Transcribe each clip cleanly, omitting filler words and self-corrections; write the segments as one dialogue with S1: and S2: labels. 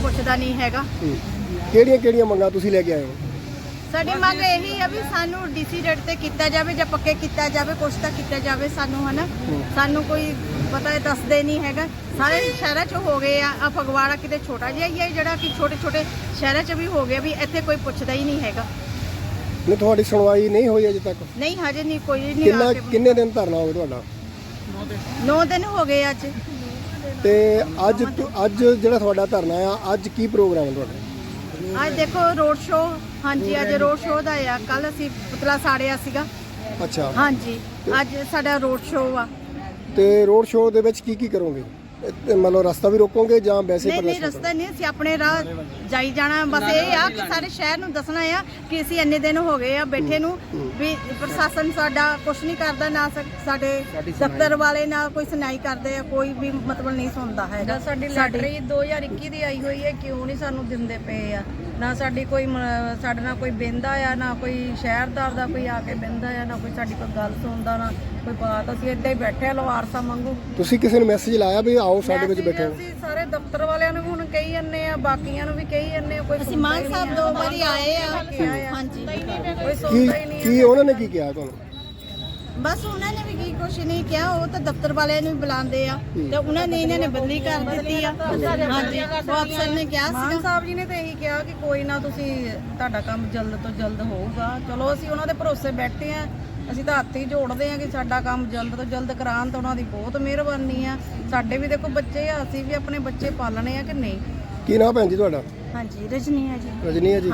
S1: ਪੁੱਛਦਾ ਨਹੀਂ ਹੈਗਾ।
S2: ਕਿਹੜੀਆਂ ਮੰਗਾਂ ਤੁਸੀਂ ਲੈ ਕੇ ਆਏ ਹੋ?
S1: ਸਾਡੀ ਮੰਗ ਇਹੀ ਆ ਵੀ ਸਾਨੂੰ ਡੀਸੀ ਰੇਟ ਤੇ ਕੀਤਾ ਜਾਵੇ ਜਾਂ ਪੱਕੇ ਕੀਤਾ ਜਾਵੇ, ਕੁਛ ਤਾਂ ਕੀਤਾ ਜਾਵੇ ਸਾਨੂੰ, ਹਨਾ। ਸਾਨੂੰ ਕੋਈ ਪਤਾ ਦੱਸਦੇ ਨਹੀਂ ਹੈਗਾ। ਸਾਰੇ ਸ਼ਹਿਰਾਂ 'ਚ ਹੋ ਗਏ ਆ, ਫਗਵਾੜਾ ਕਿਤੇ ਛੋਟਾ ਜਿਹਾ ਹੀ ਹੈ ਜਿਹੜਾ ਕਿ ਛੋਟੇ ਸ਼ਹਿਰਾਂ 'ਚ ਵੀ ਹੋ ਗਿਆ, ਵੀ ਇੱਥੇ ਕੋਈ ਪੁੱਛਦਾ ਹੀ ਨਹੀਂ ਹੈਗਾ।
S2: ਨਹੀਂ, ਤੁਹਾਡੀ ਸੁਣਵਾਈ ਨਹੀਂ ਹੋਈ ਅਜੇ ਤੱਕ?
S1: ਨਹੀਂ, ਹਜੇ ਨਹੀਂ, ਕੋਈ ਨਹੀਂ ਆ ਕੇ।
S2: ਕਿੰਨੇ ਦਿਨ ਧਰਨਾ ਹੋਵੇ ਤੁਹਾਡਾ?
S1: 9 ਦਿਨ ਹੋ ਗਏ ਅੱਜ।
S2: ਤੇ ਅੱਜ ਜਿਹੜਾ ਤੁਹਾਡਾ ਧਰਨਾ ਆ, ਅੱਜ ਕੀ ਪ੍ਰੋਗਰਾਮ ਹੈ ਤੁਹਾਡਾ?
S1: ਅੱਜ ਦੇਖੋ ਰੋਡ ਸ਼ੋਅ, ਹਾਂਜੀ ਅੱਜ ਰੋਡ ਸ਼ੋਅ ਦਾ ਆ। ਕੱਲ ਅਸੀਂ ਪੁਤਲਾ ਸਾੜਿਆ ਸੀਗਾ।
S2: ਅੱਛਾ,
S1: ਹਾਂਜੀ, ਅੱਜ ਸਾਡਾ ਰੋਡ ਸ਼ੋਅ ਆ।
S2: ਤੇ ਰੋਡ ਸ਼ੋਅ ਦੇ ਵਿੱਚ ਕੀ ਕਰੋਗੇ? ਮਤਲਬ ਰਸਤਾ ਵੀ ਰੋਕੋਗੇ ਜਾਂ ਵੈਸੇ?
S1: ਨਹੀਂ, ਰਸਤਾ ਨਹੀਂ, ਅਸੀਂ ਆਪਣੇ ਰਾਹ ਜਾਈ ਜਾਣਾ। ਬਸ ਇਹ ਆ ਕਿ ਸਾਰੇ ਸ਼ਹਿਰ ਨੂੰ ਦੱਸਣਾ ਆ ਕਿ ਅਸੀਂ ਇੰਨੇ ਦਿਨ ਹੋ ਗਏ ਆ ਬੈਠੇ ਨੂੰ, ਵੀ ਪ੍ਰਸ਼ਾਸਨ ਸਾਡਾ ਕੁਝ ਨਹੀਂ ਕਰਦਾ, ਨਾ ਸਾਡੇ ਦਫ਼ਤਰ ਵਾਲੇ ਨਾ ਕੋਈ ਸੁਣਾਈ ਕਰਦੇ ਆ, ਕੋਈ ਵੀ ਮਤਲਬ ਨਹੀਂ ਸੁਣਦਾ ਹੈਗਾ।
S3: ਸਾਡੀ ਲੈਟਰ 2021 ਦੀ ਆਈ ਹੋਈ ਹੈ, ਕਿਉਂ ਨਹੀਂ ਸਾਨੂੰ ਦਿੰਦੇ ਪਏ ਆ? ਨਾ ਸਾਡੀ ਕੋਈ ਸਾਡੇ ਨਾਲ ਕੋਈ ਬਹਿੰਦਾ ਆ, ਨਾ ਕੋਈ ਸ਼ਹਿਰਦਾਰ ਦਾ ਕੋਈ ਆ ਕੇ ਬਹਿੰਦਾ ਆ, ਨਾ ਕੋਈ ਸਾਡੀ ਕੋਈ ਗੱਲ ਸੁਣਦਾ, ਨਾ ਕੋਈ ਬਾਤ। ਅਸੀਂ ਏਦਾਂ ਹੀ ਬੈਠੇ ਆ ਲਵਾਰਸਾ ਵਾਂਗੂ।
S2: ਤੁਸੀਂ ਕਿਸੇ ਨੂੰ ਮੈਸੇਜ ਲਾਇਆ ਵੀ ਆਓ ਸਾਡੇ ਵਿੱਚ ਬੈਠੋ?
S3: ਅਸੀਂ ਸਾਰੇ ਦਫ਼ਤਰ ਵਾਲਿਆਂ ਨੂੰ ਹੁਣ ਕਹੀ ਜੰਨੇ ਆ, ਬਾਕੀਆਂ ਨੂੰ ਵੀ ਕਹੀ ਜੰਨੇ ਆ। ਕੋਈ
S1: ਅਸੀਂ ਮਾਨ ਸਾਹਿਬ 2 ਵਾਰੀ ਆਏ ਆ। ਹਾਂਜੀ,
S3: ਕੋਈ ਸੁਣਦਾ ਹੀ ਨਹੀਂ।
S2: ਕੀ ਉਹਨਾਂ ਨੇ ਕੀ ਕਿਹਾ ਤੁਹਾਨੂੰ?
S1: ਬਸ ਉਹਨਾਂ ਨੇ ਵੀ ਕੀ ਕੁਛ ਨਹੀਂ ਕਿਹਾ, ਉਹ ਤਾਂ ਦਫ਼ਤਰ ਵਾਲਿਆਂ ਨੂੰ ਵੀ ਬੁਲਾਉਂਦੇ ਆ ਤੇ ਉਹਨਾਂ ਨੇ ਇਹਨਾਂ ਨੇ ਬਦਲੀ ਕਰ ਦਿੱਤੀ ਆ। ਹਾਂਜੀ, ਉਹ ਅਫਸਰ ਨੇ ਕਿਹਾ
S3: ਮਾਨ ਸਾਹਿਬ ਜੀ ਨੇ ਤਾਂ ਇਹੀ ਕਿਹਾ ਕਿ ਕੋਈ ਨਾ, ਤੁਸੀਂ ਤੁਹਾਡਾ ਕੰਮ ਜਲਦ ਤੋਂ ਜਲਦ ਹੋਊਗਾ। ਚਲੋ ਅਸੀਂ ਉਹਨਾਂ ਦੇ ਭਰੋਸੇ ਬੈਠੇ ਆ। ਅਸੀਂ ਤਾਂ ਹੱਥ ਹੀ ਜੋੜਦੇ ਆ ਕਿ ਸਾਡਾ ਕੰਮ ਜਲਦ ਤੋਂ ਜਲਦ ਕਰਾਉਣ, ਤਾਂ ਉਹਨਾਂ ਦੀ ਬਹੁਤ ਮਿਹਰਬਾਨੀ ਆ। ਸਾਡੇ ਵੀ ਦੇਖੋ ਬੱਚੇ ਆ, ਅਸੀਂ ਵੀ ਆਪਣੇ ਬੱਚੇ ਪਾਲਣੇ ਆ ਕਿ ਨਹੀਂ।
S2: ਕੀ ਨਾਮ ਭੈਣ ਜੀ ਤੁਹਾਡਾ?
S1: ਹਾਂਜੀ, ਰਜਨੀ ਆ ਜੀ।
S2: ਰਜਨੀ ਹੈ ਜੀ।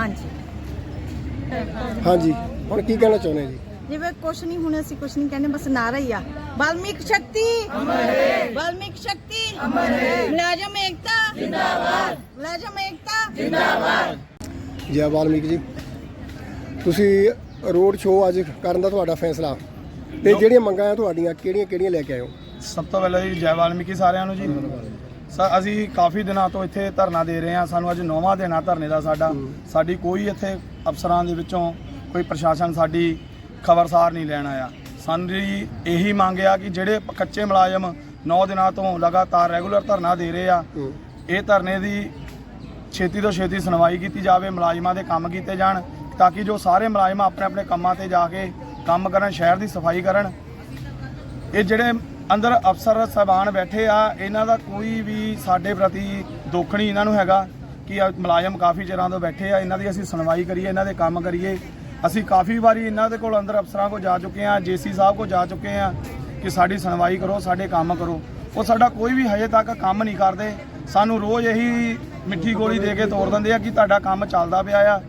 S2: ਹਾਂਜੀ, ਹੁਣ ਕੀ ਕਹਿਣਾ ਚਾਹੁੰਦੇ ਜੀ?
S1: ਜਿਵੇਂ ਕੁਛ ਨਹੀਂ, ਹੁਣ ਅਸੀਂ ਕੁਛ ਨਹੀਂ ਕਹਿੰਦੇ, ਬਸ ਨਾਰਾ ਹੀ ਆ, ਵਾਲਮੀਕ ਸ਼ਕਤੀ ਅਮਰ ਹੈ, ਵਾਲਮੀਕ ਸ਼ਕਤੀ ਅਮਰ ਹੈ, ਮੁਲਾਜ਼ਮ ਏਕਤਾ ਜਿੰਦਾਬਾਦ, ਮੁਲਾਜ਼ਮ ਏਕਤਾ ਜਿੰਦਾਬਾਦ।
S2: ਜੈ ਵਾਲਮੀਕ ਜੀ, ਤੁਸੀਂ ਰੋਡ ਸ਼ੋਅ ਅੱਜ ਕਰਨ ਦਾ ਤੁਹਾਡਾ ਫੈਸਲਾ, ਤੇ ਜਿਹੜੀਆਂ ਮੰਗਾਂ ਆ ਤੁਹਾਡੀਆਂ ਕਿਹੜੀਆਂ ਲੈ ਕੇ ਆਏ ਹੋ?
S4: ਸਭ ਤੋਂ ਪਹਿਲਾਂ ਜੀ ਜੈ ਵਾਲਮੀਕੀ ਸਾਰਿਆਂ ਨੂੰ ਜੀ। ਅਸੀਂ ਕਾਫੀ ਦਿਨਾਂ ਤੋਂ ਇੱਥੇ ਧਰਨਾ ਦੇ ਰਹੇ ਹਾਂ। ਸਾਨੂੰ ਅੱਜ 9ਵਾਂ ਦਿਨ ਆ ਧਰਨੇ ਦਾ ਸਾਡੀ ਕੋਈ ਇੱਥੇ ਅਫਸਰਾਂ ਦੇ ਵਿੱਚੋਂ ਕੋਈ ਪ੍ਰਸ਼ਾਸਨ ਸਾਡੀ ਖਬਰਸਾਰ ਨਹੀਂ ਲੈਣ ਆਇਆ। ਸਾਡੀ ਇਹੀ ਮੰਗ ਆ ਕਿ ਜਿਹੜੇ ਕੱਚੇ ਮੁਲਾਜ਼ਮ 9 ਦਿਨਾਂ ਤੋਂ ਲਗਾਤਾਰ ਰੈਗੂਲਰ ਧਰਨਾ ਦੇ ਰਹੇ ਆ, ਇਹ ਧਰਨੇ ਦੀ ਛੇਤੀ ਤੋਂ ਛੇਤੀ ਸੁਣਵਾਈ ਕੀਤੀ ਜਾਵੇ, ਮੁਲਾਜ਼ਮਾਂ ਦੇ ਕੰਮ ਕੀਤੇ ਜਾਣ, ਤਾਂ ਕਿ ਜੋ ਸਾਰੇ ਮੁਲਾਜ਼ਮ ਆਪਣੇ ਕੰਮਾਂ ਤੇ ਜਾ ਕੇ ਕੰਮ ਕਰਨ, ਸ਼ਹਿਰ ਦੀ ਸਫਾਈ ਕਰਨ। ਇਹ ਜਿਹੜੇ ਅੰਦਰ ਅਫਸਰ ਸਾਹਿਬਾਨ ਬੈਠੇ ਆ, ਇਹਨਾਂ ਦਾ ਕੋਈ ਵੀ ਸਾਡੇ ਪ੍ਰਤੀ ਦੁੱਖ ਨਹੀਂ ਇਹਨਾਂ ਨੂੰ ਹੈਗਾ ਕਿ ਮੁਲਾਜ਼ਮ ਕਾਫੀ ਚਿਰਾਂ ਤੋਂ ਬੈਠੇ ਆ, ਇਹਨਾਂ ਦੀ ਅਸੀਂ ਸੁਣਵਾਈ ਕਰੀਏ, ਇਹਨਾਂ ਦੇ ਕੰਮ ਕਰੀਏ। ਅਸੀਂ ਕਾਫੀ ਵਾਰੀ ਇਹਨਾਂ ਦੇ ਕੋਲ ਅੰਦਰ ਅਫਸਰਾਂ ਕੋਲ ਜਾ ਚੁੱਕੇ ਆ, ਜੇਸੀ ਸਾਹਿਬ ਕੋਲ ਜਾ ਚੁੱਕੇ ਆ ਕਿ ਸਾਡੀ ਸੁਣਵਾਈ ਕਰੋ, ਸਾਡੇ ਕੰਮ ਕਰੋ। ਉਹ ਸਾਡਾ ਕੋਈ ਵੀ ਹਜੇ ਤੱਕ ਕੰਮ ਨਹੀਂ ਕਰਦੇ। ਸਾਨੂੰ ਰੋਜ਼ ਇਹੀ ਮਿੱਠੀ ਗੋਲੀ ਦੇ ਕੇ ਤੋੜ ਦਿੰਦੇ ਆ ਕਿ ਤੁਹਾਡਾ ਕੰਮ ਚੱਲਦਾ ਪਿਆ,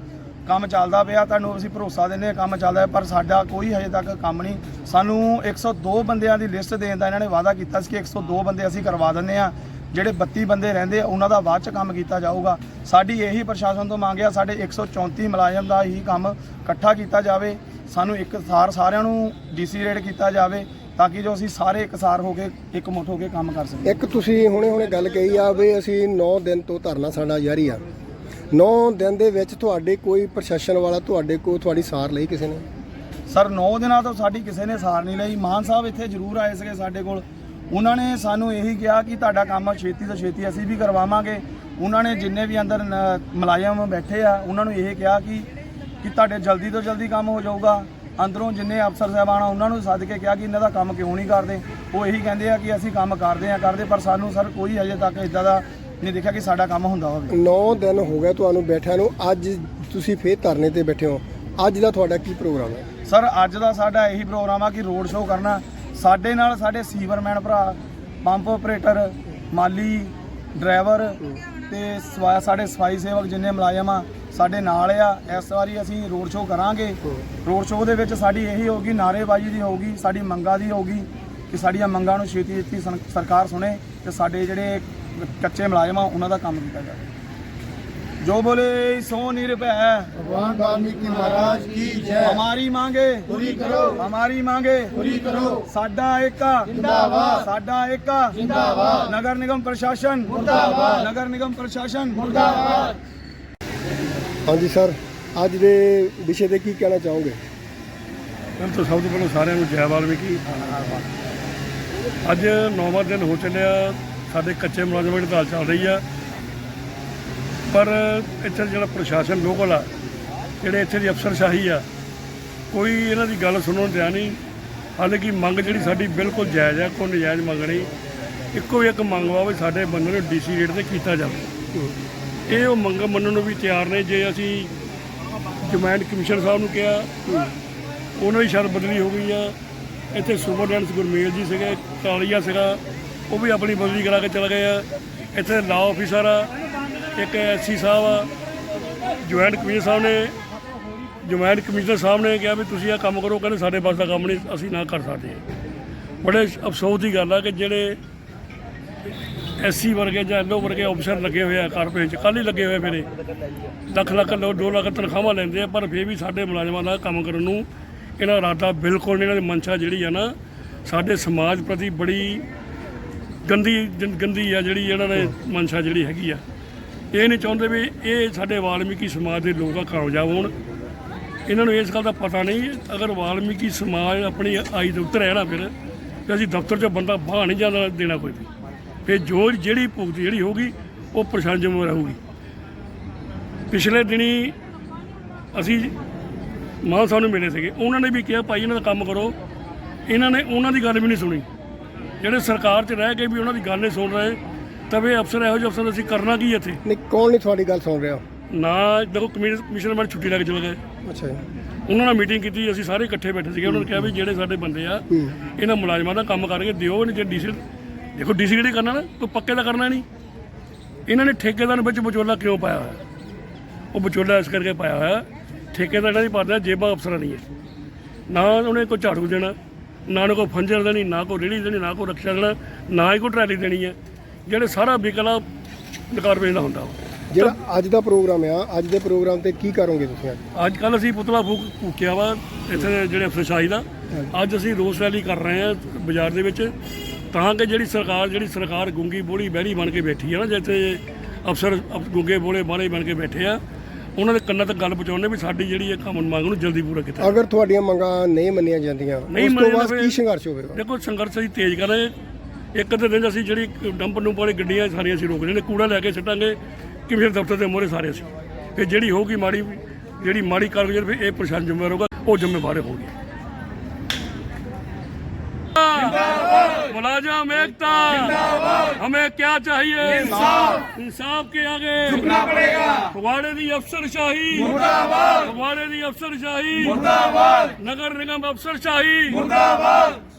S4: ਤੁਹਾਨੂੰ ਅਸੀਂ ਭਰੋਸਾ ਦਿੰਦੇ ਆ ਕੰਮ ਚੱਲਦਾ, ਪਰ ਸਾਡਾ ਕੋਈ ਹਜੇ ਤੱਕ ਕੰਮ ਨਹੀਂ। ਸਾਨੂੰ 102 ਬੰਦਿਆਂ ਦੀ ਲਿਸਟ ਦੇਣ ਦਾ ਇਹਨਾਂ ਨੇ ਵਾਅਦਾ ਕੀਤਾ ਸੀ ਕਿ 102 ਬੰਦੇ ਅਸੀਂ ਕਰਵਾ ਦਿੰਦੇ ਆ, ਜਿਹੜੇ 32 ਬੰਦੇ ਰਹਿੰਦੇ ਆ ਉਹਨਾਂ ਦਾ ਬਾਅਦ 'ਚ ਕੰਮ ਕੀਤਾ ਜਾਊਗਾ। ਸਾਡੀ ਇਹੀ ਪ੍ਰਸ਼ਾਸਨ ਤੋਂ ਮੰਗ ਆ, ਸਾਡੇ 134 ਮੁਲਾਜ਼ਮ ਦਾ ਹੀ ਕੰਮ ਇਕੱਠਾ ਕੀਤਾ ਜਾਵੇ। ਸਾਨੂੰ ਸਾਰਿਆਂ ਨੂੰ ਡੀਸੀ ਰੇਟ ਕੀਤਾ ਜਾਵੇ, ਤਾਂ ਕਿ ਜੋ ਅਸੀਂ ਸਾਰੇ ਇਕਸਾਰ ਹੋ ਕੇ ਇਕਮੁੱਠ ਹੋ ਕੇ ਕੰਮ ਕਰ ਸਕੀਏ।
S2: ਇੱਕ ਤੁਸੀਂ ਹੁਣੇ ਗੱਲ ਕਹੀ ਆ ਵੀ ਅਸੀਂ 9 ਦਿਨ ਤੋਂ ਧਰਨਾ ਸਾਡਾ ਜਾਰੀ ਆ। 9 ਦਿਨ ਦੇ ਵਿੱਚ ਤੁਹਾਡੇ ਕੋਈ ਪ੍ਰਸ਼ਾਸਨ ਵਾਲਾ ਤੁਹਾਡੀ ਸਾਰ ਲਈ ਕਿਸੇ ਨੇ?
S4: ਸਰ 9 ਦਿਨਾਂ ਤੋਂ ਸਾਡੀ ਕਿਸੇ ਨੇ ਸਾਰ ਨਹੀਂ ਲਈ। ਮਾਨ ਸਾਹਿਬ ਇੱਥੇ ਜ਼ਰੂਰ ਆਏ ਸੀਗੇ ਸਾਡੇ ਕੋਲ, ਉਹਨਾਂ ਨੇ ਸਾਨੂੰ ਇਹੀ ਕਿਹਾ ਕਿ ਤੁਹਾਡਾ ਕੰਮ ਛੇਤੀ ਤੋਂ ਛੇਤੀ ਅਸੀਂ ਵੀ ਕਰਵਾਵਾਂਗੇ। ਉਹਨਾਂ ਨੇ ਜਿੰਨੇ ਵੀ ਅੰਦਰ ਮੁਲਾਜ਼ਮ ਬੈਠੇ ਆ, ਉਹਨਾਂ ਨੂੰ ਇਹ ਕਿਹਾ ਕਿ ਤੁਹਾਡੇ ਜਲਦੀ ਤੋਂ ਜਲਦੀ ਕੰਮ ਹੋ ਜਾਊਗਾ। ਅੰਦਰੋਂ ਜਿੰਨੇ ਅਫਸਰ ਸਾਹਿਬਾਨ ਆ ਉਹਨਾਂ ਨੂੰ ਸੱਦ ਕੇ ਕਿਹਾ ਕਿ ਇਹਨਾਂ ਦਾ ਕੰਮ ਕਿਉਂ ਨਹੀਂ ਕਰਦੇ। ਉਹ ਇਹੀ ਕਹਿੰਦੇ ਆ ਕਿ ਅਸੀਂ ਕੰਮ ਕਰਦੇ, ਪਰ ਸਾਨੂੰ ਸਰ ਕੋਈ ਅਜੇ ਤੱਕ ਇਦਾਂ ਦਾ ਨਹੀਂ ਦੇਖਿਆ ਕਿ ਸਾਡਾ ਕੰਮ ਹੁੰਦਾ ਹੋਵੇ।
S2: 9 ਦਿਨ ਹੋ ਗਏ ਤੁਹਾਨੂੰ ਬੈਠਿਆਂ ਨੂੰ, ਅੱਜ ਤੁਸੀਂ ਫੇਰ ਧਰਨੇ ਤੇ ਬੈਠੇ ਹੋ। ਅੱਜ ਦਾ ਤੁਹਾਡਾ ਕੀ ਪ੍ਰੋਗਰਾਮ ਹੈ?
S4: ਸਰ ਅੱਜ ਦਾ ਸਾਡਾ ਇਹੀ ਪ੍ਰੋਗਰਾਮ ਆ ਕਿ ਰੋਡ ਸ਼ੋਅ ਕਰਨਾ। ਸਾਡੇ ਨਾਲ ਸਾਡੇ ਸੀਵਰਮੈਨ ਭਰਾ, ਪੰਪ ਆਪਰੇਟਰ, ਮਾਲੀ, ਡਰਾਈਵਰ ਤੇ ਸਾਡੇ ਸਫਾਈ ਸੇਵਕ ਜਿੰਨੇ ਮੁਲਾਜ਼ਮ ਆ ਸਾਡੇ ਨਾਲ ਆ। ਇਸ ਵਾਰੀ ਅਸੀਂ ਰੋਡ ਸ਼ੋਅ ਕਰਾਂਗੇ। ਰੋਡ ਸ਼ੋਅ ਦੇ ਵਿੱਚ ਸਾਡੀ ਇਹੀ ਹੋਊਗੀ, ਨਾਅਰੇਬਾਜ਼ੀ ਦੀ ਹੋਊਗੀ, ਸਾਡੀ ਮੰਗਾਂ ਦੀ ਹੋਊਗੀ ਕਿ ਸਾਡੀਆਂ ਮੰਗਾਂ ਨੂੰ ਛੇਤੀ ਸਰਕਾਰ ਸੁਣੇ ਤੇ ਸਾਡੇ ਜਿਹੜੇ ਕੱਚੇ ਮੁਲਾਜ਼ਮ ਆ ਉਹਨਾਂ ਦਾ ਕੰਮ ਕੀਤਾ ਜਾਵੇ। जो बोले सो निर्भय
S2: भगवान वाल्मीकि महाराज की जय।
S4: हमारी मांगे
S2: पूरी करो,
S4: हमारी मांगे पूरी करो। साडा एका
S2: जिंदाबाद,
S4: साडा एका
S2: जिंदाबाद।
S4: नगर निगम प्रशासन
S2: मुर्दाबाद,
S4: नगर निगम प्रशासन
S2: मुर्दाबाद। हाँ जी सर, ਅੱਜ ਦੇ ਵਿਸ਼ੇ ਤੇ ਕੀ ਕਹਿਣਾ ਚਾਹੋਗੇ?
S5: ਸਭ ਤੋਂ ਪਹਿਲਾਂ ਸਾਰਿਆਂ ਨੂੰ ਜੈ ਵਾਲਮੀਕੀ। ਅੱਜ 9ਵਾਂ ਦਿਨ ਹੋ ਚੱਲਿਆ, ਸਾਡੇ ਕੱਚੇ ਮੁਲਾਜ਼ਮਾਂ ਦੀ ਹੜਤਾਲ ਚੱਲ ਰਹੀ ਆ। ਪਰ ਇੱਥੇ ਜਿਹੜਾ ਪ੍ਰਸ਼ਾਸਨ ਲੋਕਲ ਆ, ਜਿਹੜੇ ਇੱਥੇ ਦੀ ਅਫਸਰਸ਼ਾਹੀ ਆ, ਕੋਈ ਇਹਨਾਂ ਦੀ ਗੱਲ ਸੁਣਨ ਦਿਆ ਨਹੀਂ। ਹਾਲਾਂਕਿ ਮੰਗ ਜਿਹੜੀ ਸਾਡੀ ਬਿਲਕੁਲ ਜਾਇਜ਼ ਆ, ਕੋਈ ਨਜਾਇਜ਼ ਮੰਗ ਨਹੀਂ। ਇੱਕੋ ਇੱਕ ਮੰਗ ਵਾ ਵੀ ਸਾਡੇ ਬੰਦੇ ਨੂੰ DC ਰੇਟ ਤੇ ਕੀਤਾ ਜਾਵੇ। ਇਹ ਉਹ ਮੰਗ ਮੰਨਣ ਨੂੰ ਵੀ ਤਿਆਰ ਨੇ। ਜੇ ਅਸੀਂ ਜੁਆਇੰਟ ਕਮਿਸ਼ਨਰ ਸਾਹਿਬ ਨੂੰ ਕਿਹਾ, ਉਹਨਾਂ ਦੀ ਸ਼ਾਇਦ ਬਦਲੀ ਹੋ ਗਈ ਆ। ਇੱਥੇ ਸੁਪਰਡੈਂਟ ਗੁਰਮੇਲ ਜੀ ਸੀਗੇ, ਕਾਲੀਆ ਸੀਗਾ, ਉਹ ਵੀ ਆਪਣੀ ਬਦਲੀ ਕਰਾ ਕੇ ਚਲੇ ਗਏ ਆ। ਇੱਥੇ ਲਾਅ ਆਫਿਸਰ ਆ, ਇੱਕ SC ਸਾਹਿਬ ਆ। ਜੁਆਇੰਟ ਕਮਿਸ਼ਨਰ ਸਾਹਿਬ ਨੇ ਕਿਹਾ ਵੀ ਤੁਸੀਂ ਇਹ ਕੰਮ ਕਰੋ, ਕਹਿੰਦੇ ਸਾਡੇ ਬਸ ਦਾ ਕੰਮ ਨਹੀਂ, ਅਸੀਂ ਨਾ ਕਰ ਸਕਦੇ। ਬੜੇ ਅਫਸੋਸ ਦੀ ਗੱਲ ਆ ਕਿ ਜਿਹੜੇ SC ਵਰਗੇ ਜਾਂ LO ਵਰਗੇ ਅਫਸਰ ਲੱਗੇ ਹੋਏ ਆ ਕਾਰਪੋਰੇਸ਼ਨ 'ਚ, ਕੱਲ੍ਹ ਹੀ ਲੱਗੇ ਹੋਏ ਮੇਰੇ ਲੱਖ 2 ਲੱਖ ਤਨਖਾਹਾਂ ਲੈਂਦੇ ਆ, ਪਰ ਫਿਰ ਵੀ ਸਾਡੇ ਮੁਲਾਜ਼ਮਾਂ ਦਾ ਕੰਮ ਕਰਨ ਨੂੰ ਇਹਨਾਂ ਦਾ ਇਰਾਦਾ ਬਿਲਕੁਲ ਨਹੀਂ। ਇਹਨਾਂ ਦੀ ਮਨਸ਼ਾ ਜਿਹੜੀ ਆ ਨਾ, ਸਾਡੇ ਸਮਾਜ ਪ੍ਰਤੀ ਬੜੀ ਗੰਦੀ ਆ ਜਿਹੜੀ ਇਹਨਾਂ ਨੇ ਮਨਸ਼ਾ ਜਿਹੜੀ ਹੈਗੀ ਆ। ਇਹ ਨਹੀਂ ਚਾਹੁੰਦੇ ਵੀ ਇਹ ਸਾਡੇ ਵਾਲਮੀਕੀ ਸਮਾਜ ਦੇ ਲੋਕ ਕਾਮਯਾਬ ਹੋਣ। ਇਹਨਾਂ ਨੂੰ ਇਸ ਗੱਲ ਦਾ ਪਤਾ ਨਹੀਂ, ਅਗਰ ਵਾਲਮੀਕੀ ਸਮਾਜ ਆਪਣੀ ਆਈ ਦੇ ਉੱਤਰ ਹੈ ਨਾ, ਫਿਰ ਅਸੀਂ ਦਫ਼ਤਰ 'ਚੋਂ ਬੰਦਾ ਬਾਹਰ ਨਹੀਂ ਜਾਣਾ ਦੇਣਾ ਕੋਈ ਵੀ। ਫਿਰ ਜਿਹੜੀ ਭੁਗਤ ਜਿਹੜੀ ਹੋਊਗੀ ਉਹ ਪ੍ਰਸ਼ਾਸਨ ਜ਼ਿੰਮੇਵਾਰ ਰਹੂਗੀ। ਪਿਛਲੇ ਦਿਨੀ ਅਸੀਂ ਮਾਨ ਸਾਹਿਬ ਨੂੰ ਮਿਲੇ ਸੀਗੇ, ਉਹਨਾਂ ਨੇ ਵੀ ਕਿਹਾ ਭਾਈ ਇਹਨਾਂ ਦਾ ਕੰਮ ਕਰੋ। ਇਹਨਾਂ ਨੇ ਉਹਨਾਂ ਦੀ ਗੱਲ ਵੀ ਨਹੀਂ ਸੁਣੀ। ਜਿਹੜੇ ਸਰਕਾਰ 'ਚ ਰਹਿ ਕੇ ਵੀ ਉਹਨਾਂ ਦੀ ਗੱਲ ਨਹੀਂ ਸੁਣ ਰਹੇ, ਤਵੇ ਅਫਸਰ ਇਹੋ ਜਿਹੇ ਅਫਸਰ ਅਸੀਂ ਕਰਨਾ ਕੀ ਇੱਥੇ?
S2: ਨਹੀਂ, ਕੌਣ ਨਹੀਂ ਤੁਹਾਡੀ ਗੱਲ ਸੁਣ ਰਿਹਾ?
S5: ਨਾ ਦੇਖੋ, ਕਮਿਸ਼ਨਰ ਮੈਡਮ ਛੁੱਟੀ ਲੈ ਕੇ ਚਲੇ ਗਏ।
S2: ਅੱਛਾ ਜੀ।
S5: ਉਹਨਾਂ ਨਾਲ ਮੀਟਿੰਗ ਕੀਤੀ, ਅਸੀਂ ਸਾਰੇ ਇਕੱਠੇ ਬੈਠੇ ਸੀਗੇ। ਉਹਨਾਂ ਨੇ ਕਿਹਾ ਵੀ ਜਿਹੜੇ ਸਾਡੇ ਬੰਦੇ ਆ, ਇਹਨਾਂ ਮੁਲਾਜ਼ਮਾਂ ਦਾ ਕੰਮ ਕਰਕੇ ਦਿਓ। ਜੇ DC ਦੇਖੋ, DC ਕਿਹੜੀ ਕਰਨਾ ਨਾ, ਕੋਈ ਪੱਕੇ ਦਾ ਕਰਨਾ ਨਹੀਂ। ਇਹਨਾਂ ਨੇ ਠੇਕੇਦਾਰ ਵਿੱਚ ਵਿਚੋਲਾ ਕਿਉਂ ਪਾਇਆ ਹੋਇਆ? ਉਹ ਵਿਚੋਲਾ ਇਸ ਕਰਕੇ ਪਾਇਆ ਹੋਇਆ, ਠੇਕੇਦਾਰ ਇਹਨਾਂ ਦੀ ਪਾਦਾ ਜੇਬਾਂ ਅਫਸਰਾਂ ਨਹੀਂ ਹੈ। ਨਾ ਉਹਨੇ ਕੋਈ ਝਾੜੂ ਦੇਣਾ, ਨਾ ਉਹਨੇ ਕੋਈ ਫੰਜਰ ਦੇਣੀ, ਨਾ ਕੋਈ ਰੇਹੜੀ ਦੇਣੀ, ਨਾ ਕੋਈ ਰਕਸ਼ਾ ਦੇਣਾ, ਨਾ ਹੀ ਕੋਈ ਟਰਾਲੀ ਦੇਣੀ ਹੈ। ਜਿਹੜੇ ਸਾਰਾ ਵਿਕਲਾ ਕਾਰਪੋਰੇਸ਼ਨ ਦਾ ਹੁੰਦਾ ਵਾ।
S2: ਜਿਹੜਾ ਅੱਜ ਦਾ ਪ੍ਰੋਗਰਾਮ ਆ, ਅੱਜ ਦੇ ਪ੍ਰੋਗਰਾਮ ਤੇ ਕੀ ਕਰੋਗੇ ਤੁਸੀਂ?
S5: ਅੱਜ ਕੱਲ੍ਹ ਅਸੀਂ ਪੁਤਲਾ ਫੂਕਿਆ ਵਾ ਇੱਥੇ ਜਿਹੜੇ ਅਫਸਰਸ਼ਾਹੀ ਦਾ। ਅੱਜ ਅਸੀਂ ਰੋਸ ਰੈਲੀ ਕਰ ਰਹੇ ਹਾਂ ਬਾਜ਼ਾਰ ਦੇ ਵਿੱਚ, ਤਾਂ ਕਿ ਜਿਹੜੀ ਸਰਕਾਰ ਗੁੰਗੀ ਬੋਲੀ ਬਹਿਰੀ ਬਣ ਕੇ ਬੈਠੀ ਆ ਨਾ, ਜਿੱਥੇ ਅਫਸਰ ਗੁੰਗੇ ਬੋਲੇ ਬਾਲੇ ਬਣ ਕੇ ਬੈਠੇ ਆ, ਉਹਨਾਂ ਦੇ ਕੰਨਾਂ ਤੱਕ ਗੱਲ ਪਹੁੰਚਾਉਣੇ ਵੀ ਸਾਡੀ ਜਿਹੜੀ ਇਹ ਕੰਮ ਮੰਗ ਨੂੰ ਜਲਦੀ ਪੂਰਾ ਕੀਤਾ।
S2: ਅਗਰ ਤੁਹਾਡੀਆਂ ਮੰਗਾਂ ਨਹੀਂ ਮੰਨੀਆਂ ਜਾਂਦੀਆਂ, ਉਸ ਤੋਂ ਬਾਅਦ ਕੀ ਸੰਘਰਸ਼ ਹੋਵੇਗਾ?
S5: ਦੇਖੋ, ਸੰਘਰਸ਼ ਅਸੀਂ ਤੇਜ਼ ਕਰ ਰਹੇ। ਇੱਕ ਅੱਧੇ ਦਿਨ ਅਸੀਂ ਜਿਹੜੀ ਡੰਪ ਵਾਲੀ ਗੱਡੀਆਂ ਸਾਰੀਆਂ ਅਸੀਂ ਰੋਕ ਲੈਣੇ, ਕੂੜਾ ਲੈ ਕੇ ਸੁੱਟਾਂਗੇ ਕਿਵੇਂ ਦਫ਼ਤਰ ਦੇ ਮੂਹਰੇ ਸਾਰੇ ਅਸੀਂ। ਫਿਰ ਜਿਹੜੀ ਹੋਊਗੀ ਮਾੜੀ ਕਾਰਗੁਜ਼ਾਰੀ, ਫਿਰ ਇਹ ਪ੍ਰਸ਼ਾਸਨ ਜ਼ਿੰਮੇਵਾਰ ਹੋਗਾ, ਉਹ ਜ਼ਿੰਮੇਵਾਰ ਹੋਗੀ। मुलाजिम एकता, हमें क्या चाहिए? इंसाफ के आगे झुकना पड़ेगा। फगवाड़े दी अफसरशाही मुर्दाबाद, फगवाड़े दी अफसरशाही मुर्दाबाद, नगर निगम अफसरशाही मुर्दाबाद।